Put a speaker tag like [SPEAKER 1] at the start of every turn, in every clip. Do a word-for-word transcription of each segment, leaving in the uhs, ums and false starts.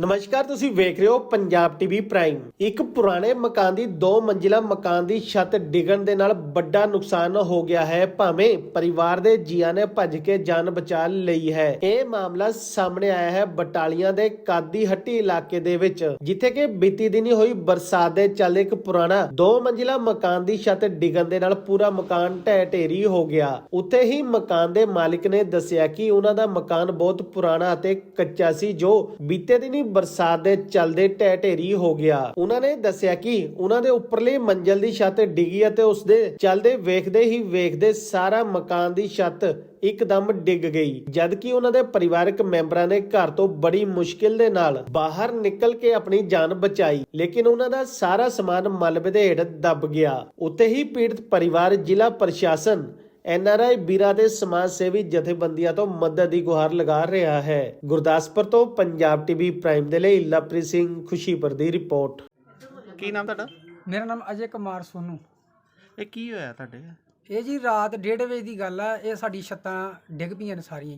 [SPEAKER 1] ਨਮਸਕਾਰ, ਤੁਸੀਂ ਵੇਖ ਰਹੇ ਹੋ ਪੰਜਾਬ ਟੀਵੀ ਪ੍ਰਾਈਮ। ਇੱਕ ਪੁਰਾਣੇ ਮਕਾਨ ਦੀ ਦੋ ਮੰਜ਼ਿਲਾ ਮਕਾਨ ਦੀ ਛੱਤ ਡਿੱਗਣ ਦੇ ਨਾਲ ਵੱਡਾ ਨੁਕਸਾਨ ਹੋ ਗਿਆ ਹੈ। ਭਾਵੇਂ ਪਰਿਵਾਰ ਦੇ ਜੀਆਂ ਨੇ ਭੱਜ ਕੇ ਜਾਨ ਬਚਾ ਲਈ ਹੈ। ਇਹ ਮਾਮਲਾ ਸਾਹਮਣੇ ਆਇਆ ਹੈ ਬਟਾਲੀਆਂ ਦੇ ਕਾਦੀ ਹੱਟੀ ਇਲਾਕੇ ਦੇ ਵਿੱਚ, ਜਿੱਥੇ ਕਿ ਬੀਤੀ ਦਿਨੀ ਹੋਈ ਬਰਸਾਤ ਦੇ ਚੱਲਦੇ ਇੱਕ ਪੁਰਾਣਾ ਦੋ ਮੰਜ਼ਿਲਾ ਮਕਾਨ ਦੀ ਛੱਤ ਡਿੱਗਣ ਦੇ ਨਾਲ ਪੂਰਾ ਮਕਾਨ ਢਹਿ ਢੇਰੀ ਹੋ ਗਿਆ। ਉੱਥੇ ਹੀ ਮਕਾਨ ਦੇ ਮਾਲਿਕ ਨੇ ਦੱਸਿਆ ਕਿ ਉਹਨਾਂ ਦਾ ਮਕਾਨ ਬਹੁਤ ਪੁਰਾਣਾ ਅਤੇ ਕੱਚਾ ਸੀ, ਜੋ ਬੀਤੇ ਦਿਨੀ ਬਰਸਾਤ ਦੇ ਚੱਲਦੇ ਢਹਿ ਢੇਰੀ ਹੋ ਗਿਆ। ਉਹਨਾਂ ਨੇ ਦੱਸਿਆ ਕਿ ਉਹਨਾਂ ਦੇ ਉੱਪਰਲੀ ਮੰਜ਼ਲ ਦੀ ਛੱਤ ਡਿੱਗੀ ਅਤੇ ਉਸ ਦੇ ਚੱਲਦੇ ਵੇਖਦੇ ਹੀ ਵੇਖਦੇ ਸਾਰਾ ਮਕਾਨ ਦੀ ਛੱਤ ਇੱਕਦਮ ਡਿੱਗ ਗਈ, ਜਦਕਿ ਉਹਨਾਂ ਦੇ ਪਰਿਵਾਰਕ ਮੈਂਬਰਾਂ ਨੇ ਘਰ ਤੋਂ ਬੜੀ ਮੁਸ਼ਕਿਲ ਦੇ ਨਾਲ ਬਾਹਰ ਨਿਕਲ ਕੇ ਆਪਣੀ ਜਾਨ ਬਚਾਈ, ਲੇਕਿਨ ਉਹਨਾਂ ਦਾ ਸਾਰਾ ਸਮਾਨ ਮਲਬੇ ਦੇ ਹੇਠ ਦਬ ਗਿਆ। ਉੱਥੇ ਹੀ ਪੀੜਤ ਪਰਿਵਾਰ ਜ਼ਿਲ੍ਹਾ ਪ੍ਰਸ਼ਾਸਨ, ਐਨ ਆਰ ਆਈ ਵੀਰਾਂ ਦੇ ਸਮਾਜ ਸੇਵੀ ਜਥੇਬੰਦੀਆਂ ਤੋਂ ਮਦਦ ਦੀ ਗੁਹਾਰ ਲਗਾ ਰਿਹਾ ਹੈ। ਗੁਰਦਾਸਪੁਰ ਤੋਂ ਪੰਜਾਬ ਟੀਵੀ ਪ੍ਰਾਈਮ ਦੇ ਲਈ ਲਵਪ੍ਰੀਤ ਸਿੰਘ ਖੁਸ਼ੀਪੁਰ ਦੀ ਰਿਪੋਰਟ।
[SPEAKER 2] ਕੀ ਨਾਮ ਤੁਹਾਡਾ?
[SPEAKER 3] ਮੇਰਾ ਨਾਮ ਅਜੇ ਕੁਮਾਰ ਸੋਨੂ।
[SPEAKER 2] ਇਹ ਕੀ ਹੋਇਆ ਤੁਹਾਡੇ?
[SPEAKER 3] ਇਹ ਜੀ ਰਾਤ ਡੇਢ ਵਜੇ ਦੀ ਗੱਲ ਆ। ਇਹ ਸਾਡੀ ਛੱਤਾਂ ਡਿੱਗ ਪਈਆਂ ਨੇ ਸਾਰੀਆਂ।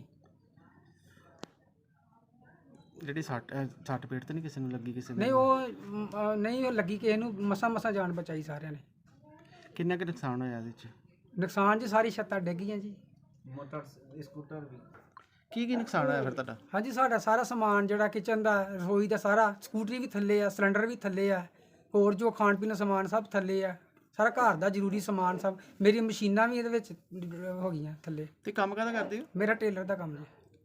[SPEAKER 2] ਜਿਹੜੀ ਸੱਟ ਸੱਟ ਪੇਟ ਤੇ ਨਹੀਂ ਕਿਸੇ ਨੂੰ ਲੱਗੀ? ਕਿਸੇ
[SPEAKER 3] ਨਹੀਂ ਉਹ ਮ, ਅ, ਨਹੀਂ ਉਹ ਲੱਗੀ ਕਿਸੇ ਨੂੰ, ਮਸਾਂ ਮਸਾਂ ਜਾਨ ਬਚਾਈ ਸਾਰਿਆਂ ਨੇ।
[SPEAKER 2] ਕਿੰਨਾ ਕੁ ਨੁਕਸਾਨ ਹੋਇਆ ਇਹਦੇ 'ਚ?
[SPEAKER 3] ਨੁਕਸਾਨ ਜੀ ਸਾਰੀ ਛੱਤਾਂ ਡਿੱਗ ਗਈਆਂ ਜੀ।
[SPEAKER 4] ਮੋਟਰ ਸਕੂਟਰ ਵੀ।
[SPEAKER 2] ਕੀ ਕੀ ਨੁਕਸਾਨ ਹੋਇਆ ਫਿਰ ਤੁਹਾਡਾ?
[SPEAKER 3] ਹਾਂਜੀ, ਸਾਡਾ ਸਾਰਾ ਸਮਾਨ ਜਿਹੜਾ ਕਿਚਨ ਦਾ, ਰਸੋਈ ਦਾ, ਸਾਰਾ ਸਕੂਟਰੀ ਵੀ ਥੱਲੇ ਆ, ਸਿਲੰਡਰ ਵੀ ਥੱਲੇ ਆ, ਹੋਰ ਜੋ ਖਾਣ ਪੀਣ ਦਾ ਸਮਾਨ ਸਭ ਥੱਲੇ ਆ, ਸਾਰਾ ਘਰ ਦਾ ਜ਼ਰੂਰੀ ਸਮਾਨ ਸਭ। ਮੇਰੀ ਮਸ਼ੀਨਾਂ ਵੀ ਇਹਦੇ ਵਿੱਚ ਹੋ ਗਈਆਂ ਥੱਲੇ।
[SPEAKER 2] ਤੇ ਕੰਮ ਕਾਹਦਾ ਕਰਦੇ ਹੋ?
[SPEAKER 3] ਮੇਰਾ ਟੇਲਰ ਦਾ ਕੰਮ ਜੀ।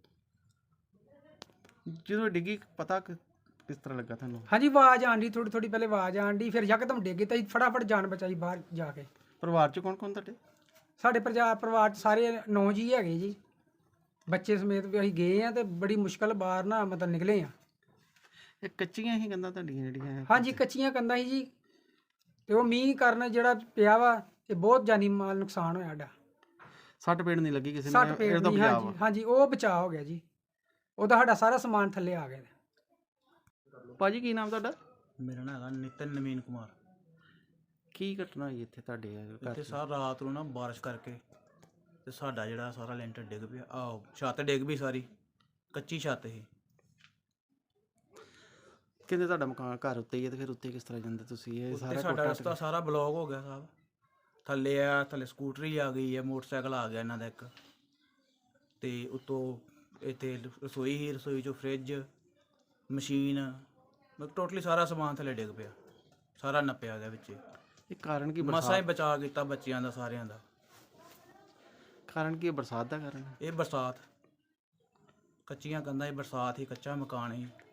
[SPEAKER 2] ਜਦੋਂ ਡਿੱਗੀ ਪਤਾ ਕਿ- ਕਿਸ ਤਰ੍ਹਾਂ ਲੱਗਾ ਤੁਹਾਨੂੰ?
[SPEAKER 3] ਹਾਂਜੀ, ਆਵਾਜ਼ ਆਂਦੀ, ਥੋੜੀ ਥੋੜੀ ਪਹਿਲੇ ਆਵਾਜ਼ ਆਂਦੀ, ਫਿਰ ਯਕਦਮ ਡਿੱਗੇ ਤਾਂ ਫਟਾਫਟ ਜਾਨ ਬਚਾਈ ਬਾਹਰ ਜਾ ਕੇ।
[SPEAKER 2] ਪਰਿਵਾਰ 'ਚ ਕੌਣ ਕੌਣ ਤੁਹਾਡੇ?
[SPEAKER 3] ਸਾਡੇ ਪਰਿਵਾਰ ਪਰਿਵਾਰ 'ਚ ਸਾਰੇ ਨੌ ਜੀ ਹੈਗੇ ਜੀ, ਬੱਚੇ ਸਮੇਤ ਵੀ ਅਸੀਂ ਗਏ ਆ ਤੇ ਬੜੀ ਮੁਸ਼ਕਲ ਬਾਹਰ ਨਾ ਮਤਲਬ ਨਿਕਲੇ ਆ।
[SPEAKER 2] ਇਹ ਕੱਚੀਆਂ ਹੀ ਕੰਧਾਂ ਤੁਹਾਡੀਆਂ ਜਿਹੜੀਆਂ?
[SPEAKER 3] ਹਾਂਜੀ, ਕੱਚੀਆਂ ਕੰਧਾਂ ਸੀ ਜੀ, ਤੇ ਉਹ ਮੀਂਹ ਕਾਰਨ ਜਿਹੜਾ ਪਿਆ ਵਾ, ਇਹ ਬਹੁਤ ਜਾਨੀ ਮਾਲ ਨੁਕਸਾਨ ਹੋਇਆ ਸਾਡਾ।
[SPEAKER 2] ਸੱਟ ਪੇਟ ਨਹੀਂ ਲੱਗੀ ਕਿਸੇ ਨੂੰ?
[SPEAKER 3] ਸੱਟ ਪੇਟ
[SPEAKER 2] ਇਹਦਾ
[SPEAKER 3] ਨਹੀਂ।
[SPEAKER 2] ਬਚਾਅ
[SPEAKER 3] ਹਾਂਜੀ
[SPEAKER 2] ਵਾ।
[SPEAKER 3] ਹਾਂਜੀ, ਉਹ ਬਚਾਅ ਹੋ ਗਿਆ ਜੀ। ਉਹਦਾ ਸਾਡਾ ਸਾਰਾ ਸਮਾਨ ਥੱਲੇ ਆ ਗਿਆ।
[SPEAKER 2] ਭਾਜੀ ਕੀ ਨਾਮ ਤੁਹਾਡਾ?
[SPEAKER 4] ਮੇਰਾ ਨਾਮ ਹੈਗਾ ਨਿਤਨ ਨਵੀਨ ਕੁਮਾਰ।
[SPEAKER 2] ਕੀ ਘਟਨਾ ਹੋਈ ਇੱਥੇ ਤੁਹਾਡੇ ਘਰ
[SPEAKER 4] ਇੱਥੇ
[SPEAKER 2] 'ਚ?
[SPEAKER 4] ਸਾਰ ਰਾਤ ਨੂੰ ਨਾ ਬਾਰਿਸ਼ ਕਰਕੇ ਤੇ ਸਾਡਾ ਜਿਹੜਾ ਸਾਰਾ ਲੈਂਟਰ ਡਿੱਗ ਪਿਆ। ਆਹ ਛੱਤ ਡਿੱਗ ਪਈ ਸਾਰੀ, ਕੱਚੀ ਛੱਤ ਸੀ।
[SPEAKER 2] ਕਹਿੰਦੇ ਤੁਹਾਡਾ ਮਕਾਨ ਘਰ ਉੱਤੇ ਹੀ ਹੈ, ਤੇ ਫਿਰ ਉੱਤੇ ਕਿਸ ਤਰ੍ਹਾਂ ਜਾਂਦੇ ਤੁਸੀਂ? ਇਹ
[SPEAKER 4] ਉੱਤੇ
[SPEAKER 2] ਸਾਰਾ
[SPEAKER 4] ਸਾਡਾ
[SPEAKER 2] ਕੋਠਾ
[SPEAKER 4] ਰਸਤਾ ਸਾਰਾ ਬਲੌਕ ਹੋ ਗਿਆ ਸਾਹਿਬ। ਥੱਲੇ ਆ, ਥੱਲੇ ਸਕੂਟਰੀ ਆ ਗਈ ਹੈ, ਮੋਟਰਸਾਈਕਲ ਆ ਗਿਆ ਇਹਨਾਂ ਦਾ ਇੱਕ, ਤੇ ਉੱਤੋਂ ਇੱਥੇ ਰਸੋਈ ਹੀ, ਰਸੋਈ 'ਚੋਂ ਫਰਿੱਜ, ਮਸ਼ੀਨ, ਮਤਲਬ ਟੋਟਲੀ ਸਾਰਾ ਸਮਾਨ ਥੱਲੇ ਡਿੱਗ ਪਿਆ, ਸਾਰਾ ਨੱਪਿਆ ਗਿਆ ਵਿੱਚ।
[SPEAKER 2] ਇਹ ਕਾਰਨ ਕੀ?
[SPEAKER 4] ਮਸਾਂ ਹੀ
[SPEAKER 2] ਬਰਸਾਤ?
[SPEAKER 4] ਬਚਾ ਕੀਤਾ ਬੱਚਿਆਂ ਦਾ, ਸਾਰਿਆਂ ਦਾ।
[SPEAKER 2] ਕਾਰਨ ਕੀ ਹੈ? ਬਰਸਾਤ ਦਾ ਕਾਰਨ ਹੈ?
[SPEAKER 4] ਇਹ ਬਰਸਾਤ, ਕੱਚੀਆਂ ਕੰਧਾਂ ਹੀ, ਬਰਸਾਤ ਹੀ, ਕੱਚਾ ਮਕਾਨ ਹੀ।